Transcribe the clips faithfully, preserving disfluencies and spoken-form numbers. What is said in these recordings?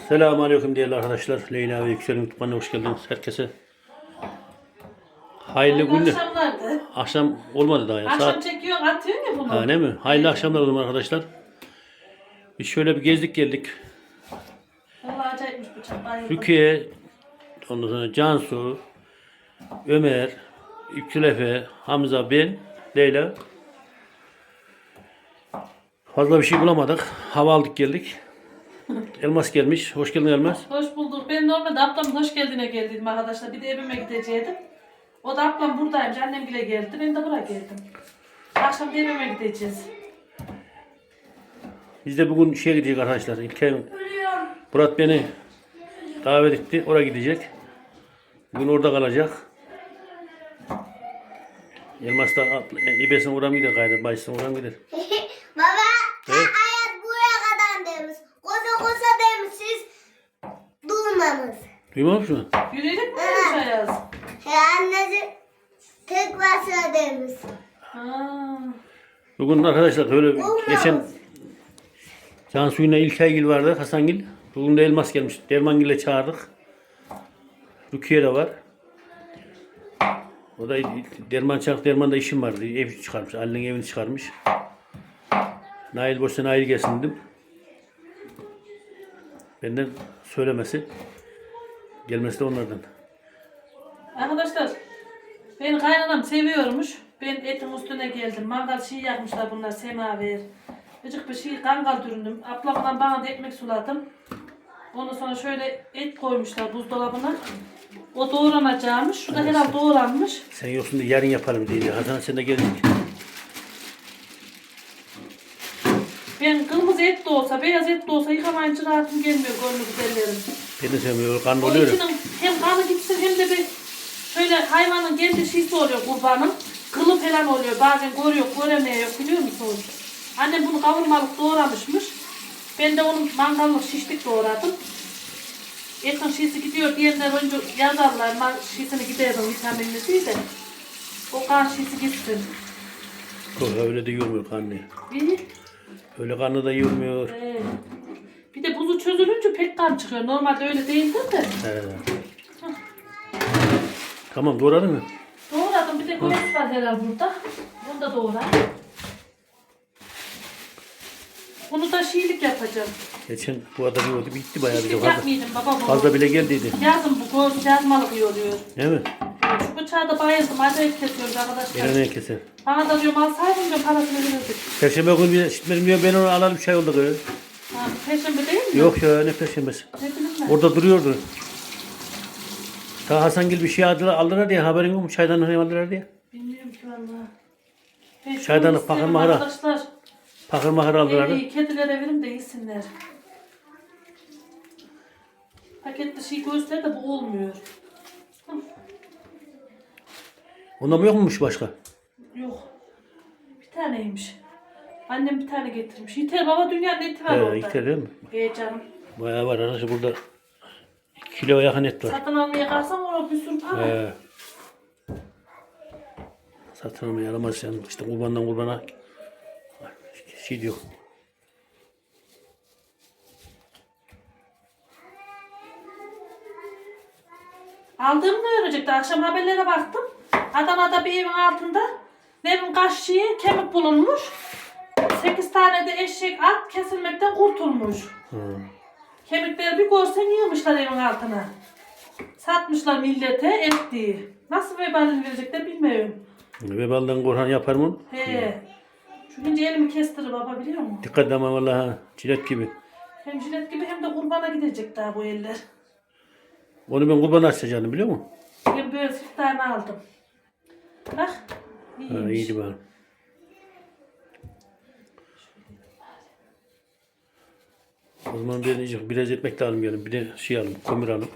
Selamünaleyküm değerli arkadaşlar. Leyla ve Yüksel'in YouTube kanalına hoş geldiniz. Herkese hayırlı günler. Akşamlardı. Akşam olmadı daha ya. Akşam Saat çekiyorsun, atıyorsun ya bunu. ha, ne mi? Hayırlı akşamlar o zaman arkadaşlar. Biz şöyle bir gezdik geldik. Vallahi acayipmiş bıçak. Bayıldım. Rukiye, ondan sonra Cansu, Ömer, Yüksel, Hamza, ben, Leyla. Fazla bir şey bulamadık. Hava aldık geldik. Elmas gelmiş. Hoş geldin Elmas. Hoş bulduk. Ben normalde ablamın hoş geldine geldiydim arkadaşlar. Bir de evime gidecektim. O da ablam buradaymış. Annem bile geldi. Ben de buraya geldim. Akşam da evime gideceğiz. Biz de bugün şeye gidecek arkadaşlar. İlker Murat beni davet etti. Oraya gidecek. Bugün orada kalacak. Elmas da ibesine uğram gider gayrı. Bayısına uğram gider. Baba, Evet. hayat buraya kadar demiş. Kosa kosa demiş siz durmamış. Duymamış mı? Yürüyelim mi demiş Ayaz? He annesi tek başına demiş. Ha. Bugün arkadaşlar böyle Olmaz. geçen Cansu'yla İlkaygil vardı. Hasangil. Bugün de Elmas gelmiş. Dermangil'e çağırdık. Rukiye de var. O da Derman çağırdık. Derman'da işim vardı. Ev çıkarmış. Ali'nin evini çıkarmış. Nail boşsa Nail gelsin dedim. Benden söylemesi. Gelmesi de onlardan. Arkadaşlar, benim kaynanam seviyormuş. Ben etin üstüne geldim. Mangal şey yakmışlar bunlar, semaver. Gıcık bir şey kangal düründüm. Ablamdan bana da ekmek suladım. Ondan sonra şöyle et koymuşlar buzdolabına. O doğranacakmış. Şu da herhalde doğranmış. Sen yoksun da yarın yapalım diye. Hasan sen de geldin. Ben kırmızı et de olsa, beyaz et de olsa yıkamayınca rahatım gelmiyor gönlü güzellerim. Ben de sevmiyorum. Kanlı O oluyor ya. içinin hem kanı gitsin hem de bir şöyle hayvanın kendi şeysi oluyor kurbanın. Kılı falan oluyor. Bazen görüyor, göremiyor biliyor musunuz? Annem bunu kavurmalık doğramışmış. Ben de onun mangallık şişlik doğradım. Etin şişi gidiyor diyenler önce yazarlar. Man şişini giderdim vitaminli değil de. O kan şişi gitsin. Yok, öyle de yormuyor kanlı. İyi. Öyle kanlı da yormuyor. Ee, bir de buzu çözülünce pek kan çıkıyor. Normalde öyle değildir de. He. Tamam doğradın mı? Doğradım. Bir de göğüs var herhalde burada. Bunu da doğra. Bunu da şiilik yapacağım. Geçen bu adam yiyordu. Bitti bayağı bir de Şiilik fazla. yapmayayım baba bu. Fazla bile geldiydi. Yazın bu göğüs yazmalık iyi oluyor. Değil mi? Şu bıçağı da bayıldım. Acayip kesiyoruz arkadaşlar. Gene ne keser. Bana da diyorum alsaydın diyorum parasını verirdik. Perşembe günü bir işitmedim diyor. Ben onu alalım çay oldu. Kız. Ha, Perşembe değil mi? Yok ya ne perşembesi. Ne bileyim ben. Orada duruyordu. Ta Hasangil bir şey aldılar, aldılar diye haberin yok mu? Çaydanlığı aldılar diye. Bilmiyorum ki valla. Ben şunu Çaydanlık, isterim pakır mahara. arkadaşlar. Pakır mahır aldılar. İyi, kedilere verin de yesinler. Paketli şey göğüsler de bu olmuyor. Hı, Ondan mı yokmuş başka? yok. Bir taneymiş. Annem bir tane getirmiş. Yeter baba dünyanın eti var He, orada. yeter değil mi? He canım. Bayağı var arkadaşlar burada. iki kilo yakın et var. Satın almaya kalsam orada bir sürü para. He. Satın almaya alamaz yani. İşte kurbandan kurbana şey diyor. Aldığımı da öğrenecekti. Akşam haberlere baktım. Adana'da bir evin altında nevin kaşığı kemik bulunmuş. Sekiz tane de eşek at kesilmekten kurtulmuş. Hı. Kemikleri bir görsen yığmışlar evin altına. Satmışlar millete et diye. Nasıl vebalini verecekler bilmiyorum. Vebalden korhan yapar mı? He. Şu ince elimi kestirir baba biliyor musun? Dikkat ama vallahi ha. Cilet gibi. Hem jilet gibi hem de kurbana gidecek daha bu eller. Onu ben kurban açacağını biliyor musun? Ben böyle sırt tane aldım. Bak. Ha, İyiymiş. iyiydi bari. O zaman bir de biraz ekmek de almayalım. Bir de şey alalım, kömür alalım.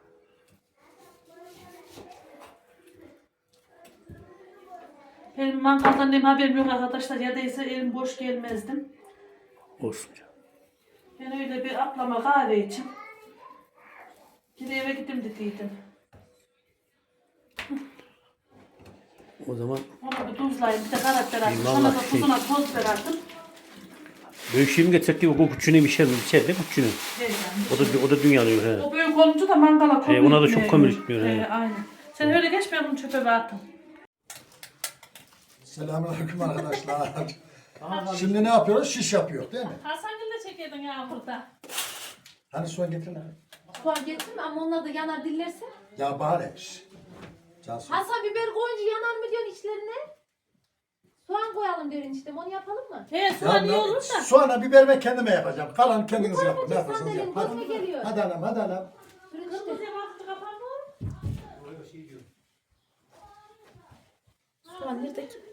Benim mangaldan ne haberim yok arkadaşlar. Ya değilse elim boş gelmezdim. Olsun. Ben öyle bir ablama kahve için. Gide eve gittim dediydim. O zaman Onu bir tuzlayayım. Bir de karabiber attım. İyi, Sonra da vallahi şey- tuzuna toz biber attım. Büyük şey mi getirsek diye o küçüğünü bir şey içeride küçüğünü. He yani. O da o da dünya alıyor he. O büyük olunca da mangala kömür He, ona da çok gitmiyor. kömür gitmiyor, he. He, aynen. Sen öyle geç ben bunu çöpe bir atayım. Selamünaleyküm arkadaşlar. Şimdi ne yapıyoruz? Şiş yapıyor değil mi? Hasan Gül de çekiyordun ya burada. Hani soğan getir lan. Soğan getirme ama onlar da yanar dillerse. Ya bari. Cansu. Hasan biber koyunca yanar mı diyorsun içlerine? Soğan koyalım diyorsun işte onu yapalım mı? He soğan iyi ben olur da. Soğanla biber ben kendime yapacağım. Kalan kendiniz Bu yapın. Ne tarafa yaparsanız sandalyenin yapın. Hadi. gözüme geliyor. Hadi anam, hadi anam. Bırak işte. Kırmızıya baktı kapandı mı? Soğan nerede ki?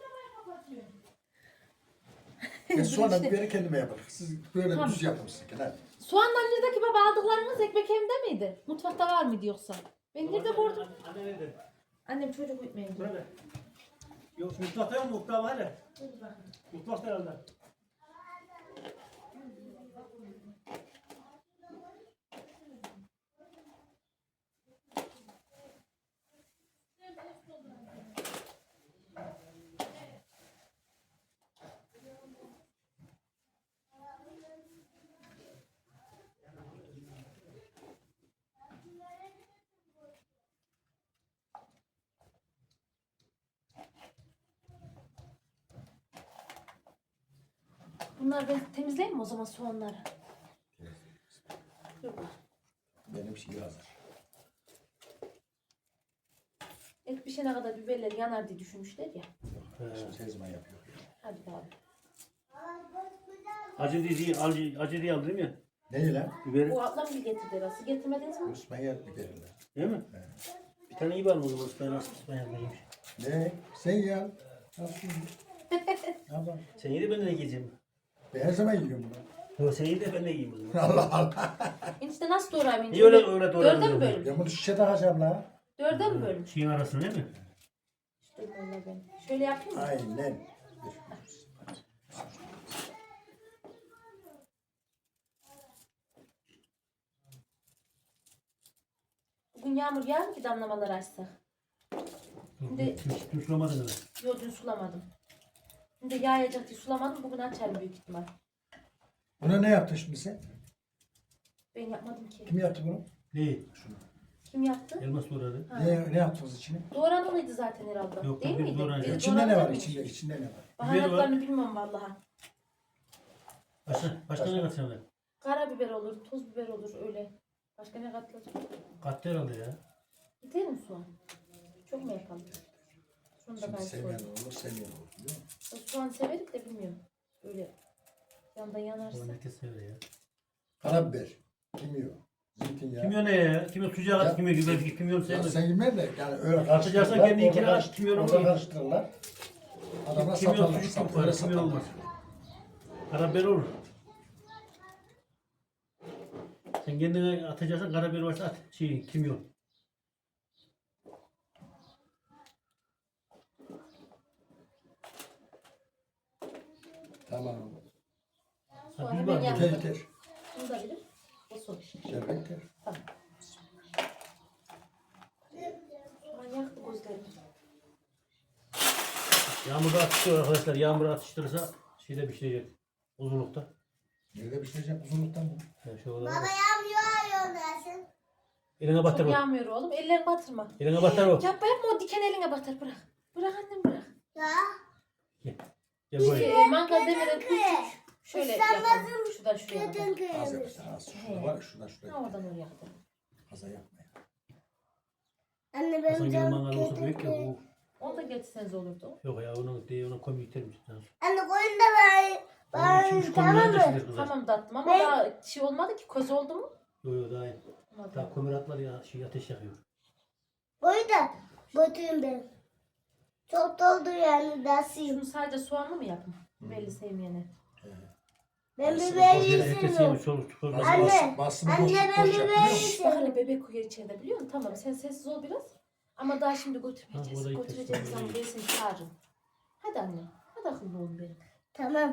Ben soğanla biberi kendime yaparım. Siz böyle Tamam. düz yapın sizinki. Hadi. Soğandan neredeki baba aldıklarınız ekmek evde miydi? Mutfakta var mıydı yoksa? Ben nerede gördüm? Anne nerede? Annem çocuk uyutmayın diyor. Nerede? Yok mutfakta yok mu? Mutfağı var ya. Mutfakta herhalde. Bunlar ben temizleyeyim mi o zaman soğanları? Benim şey hazır. Et pişene kadar biberler yanar diye düşünmüşler ya. Şimdi teyzeme yapıyor. Hadi abi. Acı diye acı, acı diye aldın ya. Ne lan? Biberi. Bu ablam bir getirdi arası. Getirmediniz mi? İsmail biberle. Değil mi? Bir tane iyi var mı o zaman? Ben nasıl İsmail yemiş. Ne? Sen ya. Nasıl? Ama Sen iyi de ben de yiyeceğim. ben her zaman yiyorum bunu. Yok sen iyi de ben de yiyeyim o zaman. Allah Allah. Enişte nasıl doğrayayım? ince? Niye öyle öyle doğradın? Dörde mi bölüm? Ben bunu şişe takacağım la. Dörde mi bölüm? Şeyin arasında değil mi? İşte böyle ben. Şöyle yapayım mı? Aynen. Bugün yağmur yağar mı ki damlamalar açsak? Şimdi- Dün sulamadın mı? Yok dün sulamadım. Şimdi yağacak diye sulamadım. Bugün açarım büyük ihtimal. Buna ne yaptın şimdi sen? Ben yapmadım ki. Kim yaptı bunu? Neyi? Kim yaptı? Elmas doğradı. Ha. Ne, ne yaptınız içine? Doğranılıydı zaten herhalde. Yok, Değil biz miydi? doğranacağız. Biri İçinde ne var? doğranılıymış. İçinde, içinde ne var? Baharatlarını bilmem vallahi. Başka, başka ne katacağım ben? Karabiber olur, toz biber olur öyle. Başka ne katılır? Kattı herhalde ya. Gider mi soğan? Çok mu yapalım? Şunu da Şimdi ben sevmeyen sorayım. olur, sevmeyen olur. Biliyor musun? O soğan severim de bilmiyorum. Öyle yandan yanarsa. Onu herkes sever ya. Karabiber, kimyon, zeytinyağı. Kimyon ne ya? Kimyon sucuğa Ya- kat kimyon gibi belki kimyon Ya sevmez. sen yemez de yani öyle Atacaksan karıştırırlar. kendi ikine orada at, kimyonu orada koy. karıştırırlar. Adamlar Kimyon satarlar. sucuk Sat, yok öyle var, kimyon satarlar. olmaz. Karabiber olur. Sen kendine atacaksan karabiber varsa at. Şey, kimyon. Tamam. Ha, Soğanı bir ben var. yaptım. Yeter yeter. Bunu da bilir. O soğan. Yeter yeter. Tamam. Soğan yaktı gözlerimi. Yağmurda atıştırıyor arkadaşlar. Yağmur atıştırırsa şeyde pişirecek. Uzunlukta. Nerede pişirecek uzunluktan mı? Yani şu olabilir. Baba yağmıyor yağıyor dersin. Eline batır Çok bak. yağmıyor oğlum. Ellerini batırma. Eline batar bak. Yapma yapma o diken eline batar bırak. Bırak annem bırak. Ya. Gel. Gel buraya. Ee, mangal demeden küçük. Şöyle yapalım. Islanmazım. Şuradan şuraya Götün kadar. Az kıymış. yapacaksın az. Şurada var ya şuradan şuraya. Ha, oradan oraya kadar. Fazla yapma ya. Anne Hasan benim gibi canım mangal olsa götün büyük ya kıymış. bu. Onu da getirseniz olurdu. Yok ya onun değil ona koymayı itermiş. Anne koyun da ben. Ben Üç tamam komünler de mı? sinir kızar. Tamam tatlım ama Ben- daha şey olmadı ki köz oldu mu? Yok yok daha iyi. Olmadı. Daha kömür atlar ya şey ateş yakıyor. Koyun da götürün ben. Çok doldu yani dersiyim. Şunu sadece soğanlı mı yapın? Belli sevmeyene. Ben Aslında biber boş Yine herkes yiyeceğim. yemiş çoluk çocuk. Bas, Anne, bas, basını boş, anne ben boş yap, biber biliyor musun? Bak yiyeceğim. hele bebek uyuyor içeride biliyor musun? Tamam sen sessiz ol biraz. Ama daha şimdi Ha, o götürmeyeceğiz. da iyi Götüreceğiz teslim zaman oluyor. ben seni çağırırım. Hadi anne. Hadi akıllı oğlum benim. Tamam.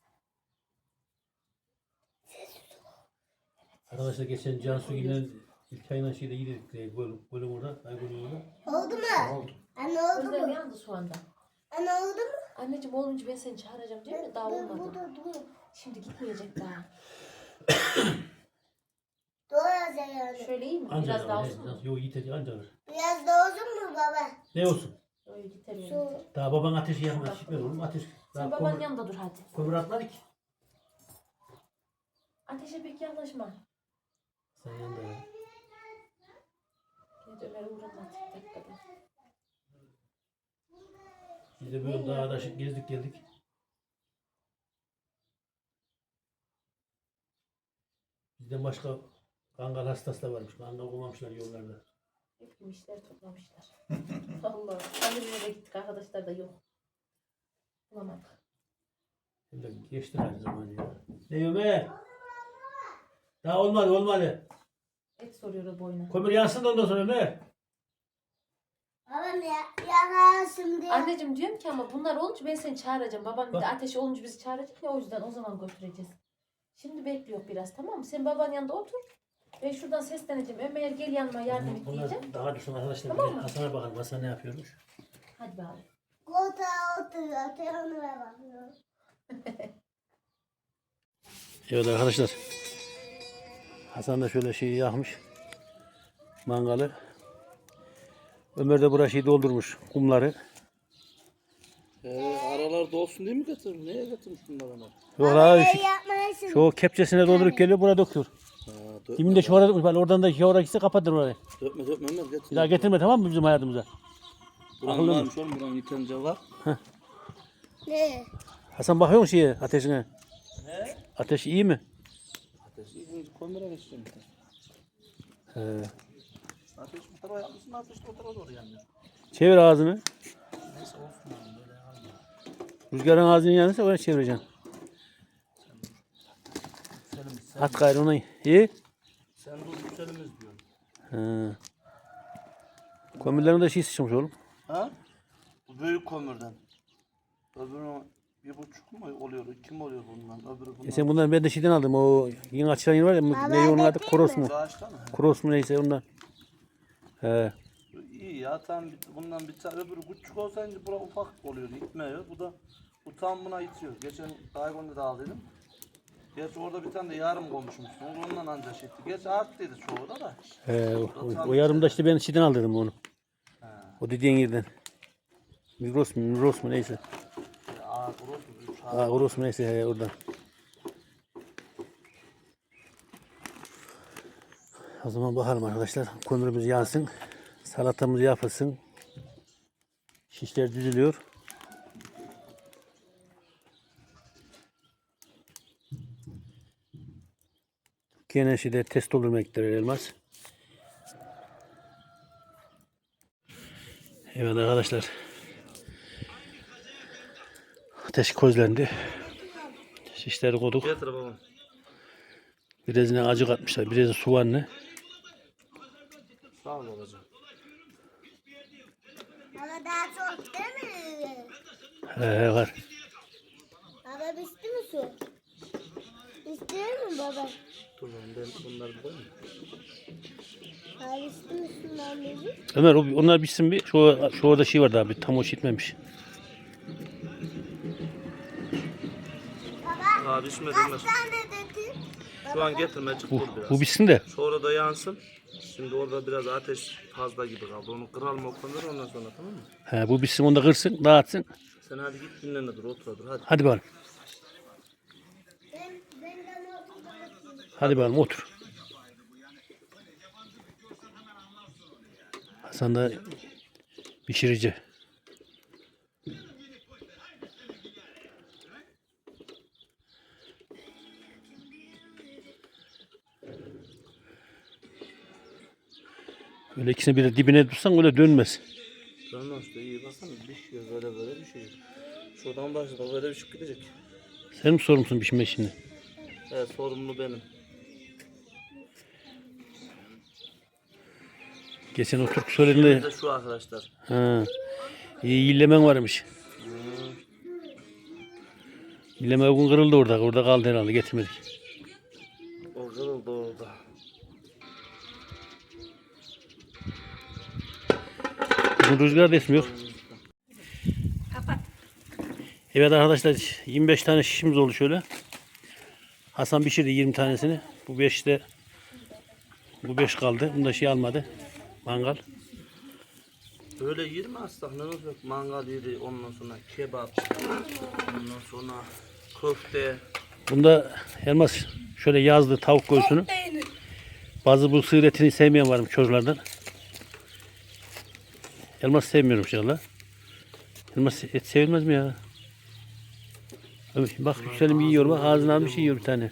Arkadaşlar geçen Cansu ile İlkay'la şeyde yedik. Bölüm, bölüm orada. Ay bölüm orada. Oldu Ne mu? oldu? Anne oldu Gözlerim mu? yandı soğandan. Anne oldu mu? Anneciğim olunca ben seni çağıracağım değil mi? Daha Ben olmadı. burada duruyorum. Şimdi gitmeyecek daha. Doğru yani. Şöyle iyi mi? Anca Biraz daha alır, olsun he, mu? Yok yeter anca alır. Biraz da olsun mu baba? Ne olsun? Öyle yeter yani. Su. Daha baban ateşi yakmaz. Şişmez oğlum ateş. Sen Daha babanın kömür, yanında dur hadi. kömür atmadı ki. Ateşe pek yaklaşma. Sen yanında ya. Gel Ömer'e uğratma tek dakikada. Biz de böyle dağda şık gezdik geldik. Bizden başka kangal hastası da varmış. Kangal bulmamışlar yollarda. Hep yemişler toplamışlar. Allah. Hadi nereye gittik arkadaşlar da yok. Bulamadık. Hem de geçti her zaman ya. Ne Ömer? Daha olmadı olmadı. Et soruyor o boyuna. Kömür yansın da ondan sonra Ömer. Babam ya, yakarsın diye. Anneciğim diyorum ki ama bunlar olunca ben seni çağıracağım. Babam bir de Bak. ateş olunca bizi çağıracak ya o yüzden o zaman götüreceğiz. Şimdi bekliyor biraz tamam mı? Sen babanın yanında otur. Ben şuradan sesleneceğim. Ömer gel yanıma yardım et Bunlar diyeceğim. daha düşün arkadaşlar. Tamam Bir de mı? Hasan'a bakalım. Hasan ne yapıyormuş? Hadi bakalım. Koltuğa oturuyor, telefonuna bakıyor. Evet arkadaşlar. Hasan da şöyle şeyi yakmış. Mangalı. Ömer de buraya şeyi doldurmuş. Kumları. Ee, aralar dolsun diye mi getirmiş? Neye getirmiş bunlar ona? Yok la Şey şu, yapmalısın. şu kepçesine doldurup geliyor buraya döküyor. Ha, dökme, Kiminde şu orada bak oradan da şu oraya gitse kapatır orayı. dökme dökme Ömer getir. Bir daha getirme tamam mı bizim hayatımıza? Buranın akıllı mı? varmış oğlum buranın yeterince var. Ne? Hasan bakıyor musun şeye ateşine? He? Ateş iyi mi? Ateşi ikinci komüre geçeceğim. bir de. He. Ateş bu tarafa yapmışsın ateş de o tarafa doğru yanıyor. Çevir ağzını. Neyse olsun oğlum böyle yanmıyor. Rüzgarın ağzını yanırsa oraya çevireceksin. Selimiz sen, At gayrı ona. İyi. sen dur selimiz diyorsun. He. Kömürlerin de şey sıçramış oğlum. Ha? Bu büyük kömürden. Öbürü bir buçuk mu oluyor? İki mi oluyor bundan? Öbürü bundan. E sen bundan ben de şeyden aldım. O yeni açılan yer var ya. Ne onun adı? Kroos mu? Bağışta mı? Kroos mu neyse ondan. He. İyi ya tam bir- bundan bir tane öbürü küçük olsaydı bura ufak oluyor gitmiyor. Bu da bu tam buna itiyor. Geçen Daygon'da da aldıydım. Gerçi orada bir tane de yarım koymuşmuşsun. Ondan ancak şey etti. Gerçi arttıydı çoğu da da. He. O, o, o yarımda işte ben şeyden aldırdım onu. O dediğin yerden. Migros mu? Migros mu neyse. Aa kuruş mu? Üç Aa Kroos mu neyse he, oradan. O zaman bakalım arkadaşlar. Kömürümüz yansın. Salatamız yapılsın. Şişler düzülüyor. Gene şeyde test doldurmaya gittiler Elmas. Evet arkadaşlar. Ateş közlendi. Şişleri koyduk. Getir babam. Birazına acı katmışlar. Biraz soğanlı. Sağ ol babacığım. Baba daha çok değil mi? He var. Baba bitti mi su? Bitti mi baba? Dur oğlum ben bunları bir koyayım. Hayır bitti mi şundan beri? Ömer o- onlar bitsin bir. Şu, şu orada şey var daha bir tam o şişmemiş. Baba Daha pişmedi kaç Ömer. tane dedin? Şu an getirme çık Bu, dur biraz. bu bitsin de. Sonra da yansın. Şimdi orada biraz ateş fazla gibi kaldı. Onu kıralım o kadar ondan sonra tamam mı? He, bu bitsin onu da kırsın dağıtsın. Sen hadi git dinlen dur otur dur hadi. Hadi bakalım. Ben, ben de notumu Hadi bakalım otur. Hasan da pişirici. Öyle ikisini bir de dibine tutsan öyle dönmez. Tamam işte iyi baksana pişiyor böyle böyle pişiyor. Şuradan başla böyle pişip gidecek. Sen mi sorumlusun pişme şimdi? Evet sorumlu benim. Geçen o Türk Bir söylediğinde de şu arkadaşlar. ha, iyi yillemen varmış. Yilleme uygun kırıldı orada. Orada kaldı herhalde getirmedik. O kırıldı orada. Bugün rüzgar da esmiyor. Evet arkadaşlar yirmi beş tane şişimiz oldu şöyle. Hasan pişirdi yirmi tanesini. Bu beş de bu beş kaldı. Bunda şey almadı. Mangal. Böyle yirmi astak ne olacak? Mangal yeri, ondan sonra kebap, ondan sonra köfte. Bunda Elmas şöyle yazdı tavuk göğsünü. Bazı bu sığır etini sevmeyen varmış çocuklardan. Elmas sevmiyorum inşallah. Elmas et sevilmez mi ya? Abi bak Yükselim yiyor bak ağzına almış yiyor bir tane.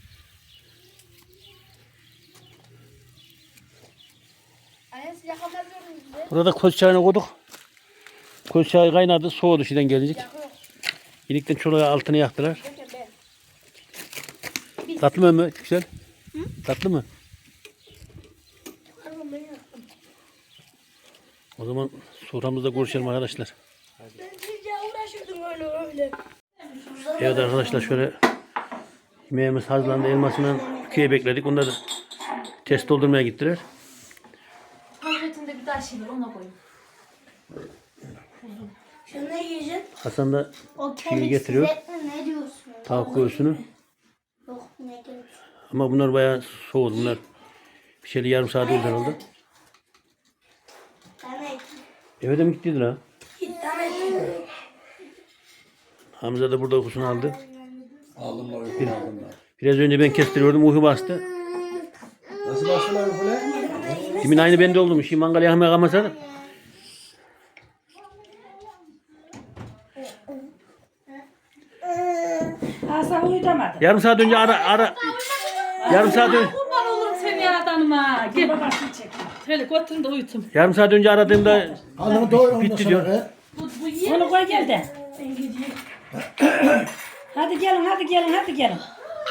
Burada koz çayını koyduk. Koz çayı kaynadı soğudu şeyden gelecek. İlikten çoluğa altını yaktılar. Tatlı mı Yüksel? Hı? Tatlı mı? O zaman soframızda görüşelim arkadaşlar. Evet arkadaşlar şöyle yemeğimiz hazırlandı. Elmasından ikiye bekledik. Onlar da test doldurmaya gittiler. Hazretinde bir daha şey var ona koyayım. Şunu yiyecek. Hasan da O şeyi kemik getiriyor. size ne diyorsun? Tavuk göğsünü. Yok ne diyorsun? Ama bunlar bayağı soğudu. Bunlar bir şeyle yarım saat oldu herhalde. Demek. Eve de mi gittiydi ha? Demek. Hamza da burada uykusunu aldı. Aldım da uykum aldım da. Biraz önce ben kestiriyordum. Uyku bastı. Nasıl başlıyor böyle? Demin aynı bende oldum. Şimdi mangal yakmaya kalmasa Hasan uyutamadı. yarım saat önce ara ara yarım saat önce Kurban olurum seni yaradanıma. Gel. Babasını çek. Şöyle götürün de uyutum. yarım saat önce aradığımda Alnını doyur ondan bitti sonra diyor. be. Bu, bu yiye Onu koy gel de. Hadi gelin hadi gelin hadi gelin.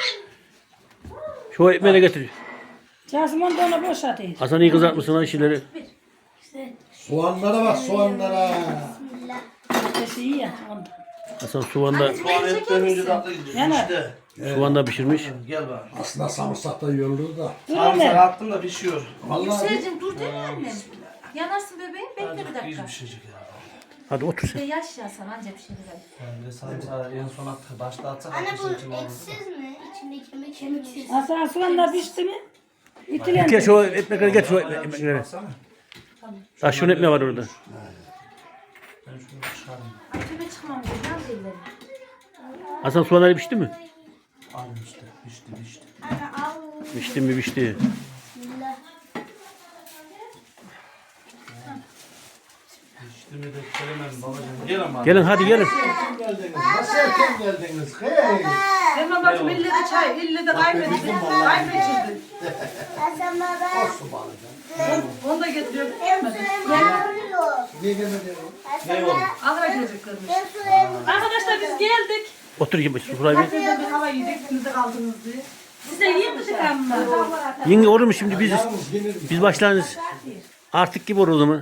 Şu ekmeği de getir. Casımın da onu boşaltıyor. Hasan iyi kızartmışsın lan şeyleri. Soğanlara bak soğanlara. Ateşi iyi ya ondan. Hasan soğanda Soğan etten önce tatlı gidiyor. Yanar. İşte. soğanda pişirmiş. Gel bak. Aslında sarımsak da yiyorlar da. Dur Sarımsak hele. attım da pişiyor. Vallahi Yükselcim dur değil mi annem? Yanarsın bebeğim bekle bir dakika. pişecek ya. Hadi otur Bir de sen. yaş ya sana anca bir şey değil. Yani sarımsağı en son attık. Başta atsak Anne bu ateşin için olur. eksiz mi? İçinde kemik kemiksiz. Hasan soğan da pişti mi? Gel İtilendi. şu ekmekleri getir şu ekmekleri. Baksana. Ha şunun ekmeği var orada. Ben şunu çıkarayım. Ay tüme çıkmam diyor. Nerede ellerim? Hasan soğanları pişti mi? Al işte. Pişti pişti. Anne al. Pişti mi pişti. Bismillah. Pişti mi de söylemem babacığım. Gel ama. Gelin hadi gelin. geldiniz. Nasıl erken geldiniz? Hey. Sen babacığım ille de çay, ille de kaybettin. Kaybettin. Hasan baba. Olsun bari. Onu da getiriyorum. Ben suya Niye gelmedi? Hasan baba. Ahıra geleceklermiş. Ben suya Arkadaşlar biz geldik. Otur gibi şuraya bir. Sizden bir hava yedik, siz de kaldınız diye. Size yiyeyim mi çıkanma? Yenge olur mu şimdi biz Yalnız yenir mi? biz başlarız. Artık gibi olur o zaman.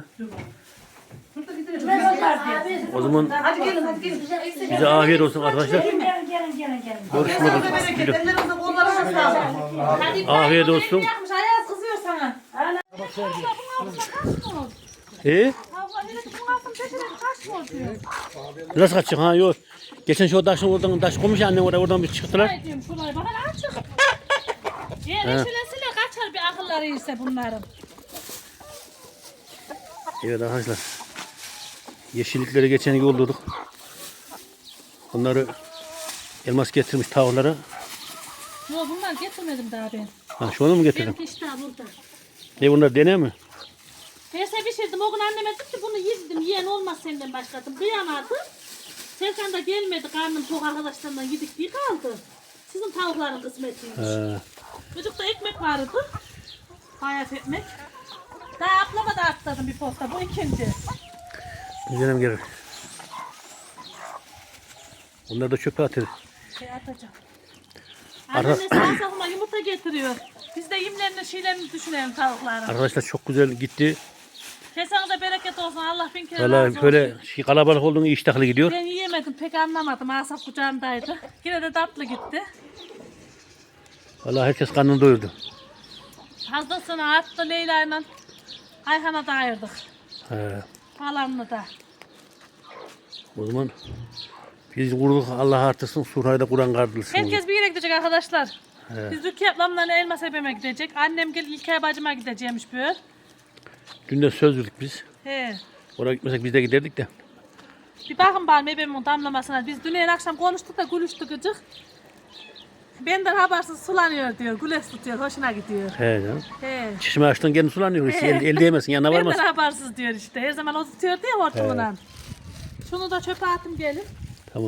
O zaman Hadi gelin, hadi gelin. bize afiyet olsun arkadaşlar. Gelin gelin gelin gelin. gelin. Görüşmek Size bereket, üzere. ellerinize kollarınıza sağlık. Hadi Afiyet olsun. yapmış Ayaz kızıyor sana. E? Nasıl kaçacak ha yok. Geçen şu taşın oradan taş koymuş ya annem oraya oradan bir çıktılar. Ay diyorum şurayı bana açık. Yer eşilesiyle kaçar bir akılları ise bunların. Evet arkadaşlar. Yeşillikleri geçen yolladık. Onları Elmas getirmiş tavuklara. Yok bunlar getirmedim daha ben. Ha şunu mu getirdin? Benimki işte burada. Ne bunlar deney mi? Neyse pişirdim. O gün anneme dedim ki bunu yedim. Yiyen olmaz senden başladım. Kıyamadım. Serkan da gelmedi. Karnım tok arkadaşlarından yedik diye kaldı. Sizin tavukların kısmetiymiş. He. Çocukta ekmek vardı. Bayat ekmek. Daha ablama da atladım bir posta. Bu ikinci. Güzelim gelir. Onları da çöpe atır. Şey atacağım. Ara- Annem de sağ sakıma yumurta getiriyor. Biz de yemlerini şeylerini düşünelim tavukların. Arkadaşlar çok güzel gitti. Kesene bereket olsun. Allah bin kere razı Valla olsun. böyle şey kalabalık olduğunu iştahlı gidiyor. Ben yiyemedim. Pek anlamadım. Asaf kucağımdaydı. Yine de tatlı gitti. Valla herkes karnını doyurdu. Fazlasını attı Leyla'yla. Ayhan'a da ayırdık. He. Falanını da. O zaman Biz vurduk Allah artırsın. Surayı da Kur'an kardılsın. Herkes bir yere gidecek arkadaşlar. Biz Rukiye ablamla Elmas ebeme gidecek. Annem gel İlkay bacıma gideceğimiş böyle. Dün de söz verdik biz. He. Oraya gitmesek biz de giderdik de. Bir bakın bari ebemin damlamasına. Biz dün akşam konuştuk da gülüştük gıcık. Benden habersiz sulanıyor diyor. Güleş tutuyor. Hoşuna gidiyor. He canım. He. Çişimi açtın kendin sulanıyor. Hiç el, el değmesin yanına Benden varmaz. habersiz diyor işte. Her zaman o tutuyor diye hortumundan. Şunu da çöpe atın gelin. Tamam.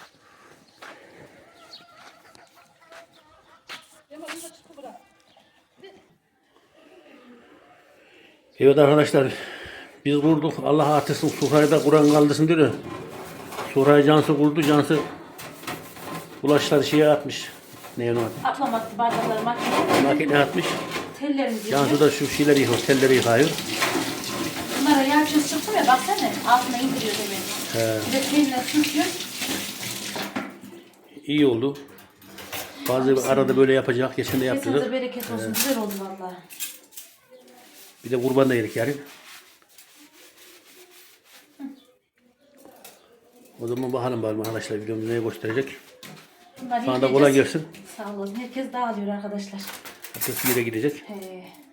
Evet arkadaşlar. Biz vurduk. Allah artırsın. Surayı da Kur'an kaldırsın diyor. Surayı Cansu vurdu. Cansu bulaşları şeye atmış. Ne onu atmış? Atlamadı bardakları makineye. Makineye atmış. Tellerimizi Cansu yıkıyor. da şu şeyleri yıkıyor. Telleri yıkıyor. Bunlara yağ çöz çıktı ya baksana. Altına indiriyor demek. He. Bir de teline sürtüyor. İyi oldu. Bazı arada böyle yapacak. Geçen de Kesinize yaptırdık. bereket olsun. Güzel oldu vallahi. Bir de kurban da yedik yarın. O zaman bakalım bakalım arkadaşlar videomuz neye gösterecek. Bunları Sana da kolay yiyeceğiz. gelsin. Sağ olun. Herkes dağılıyor arkadaşlar. Herkes bir yere gidecek. He.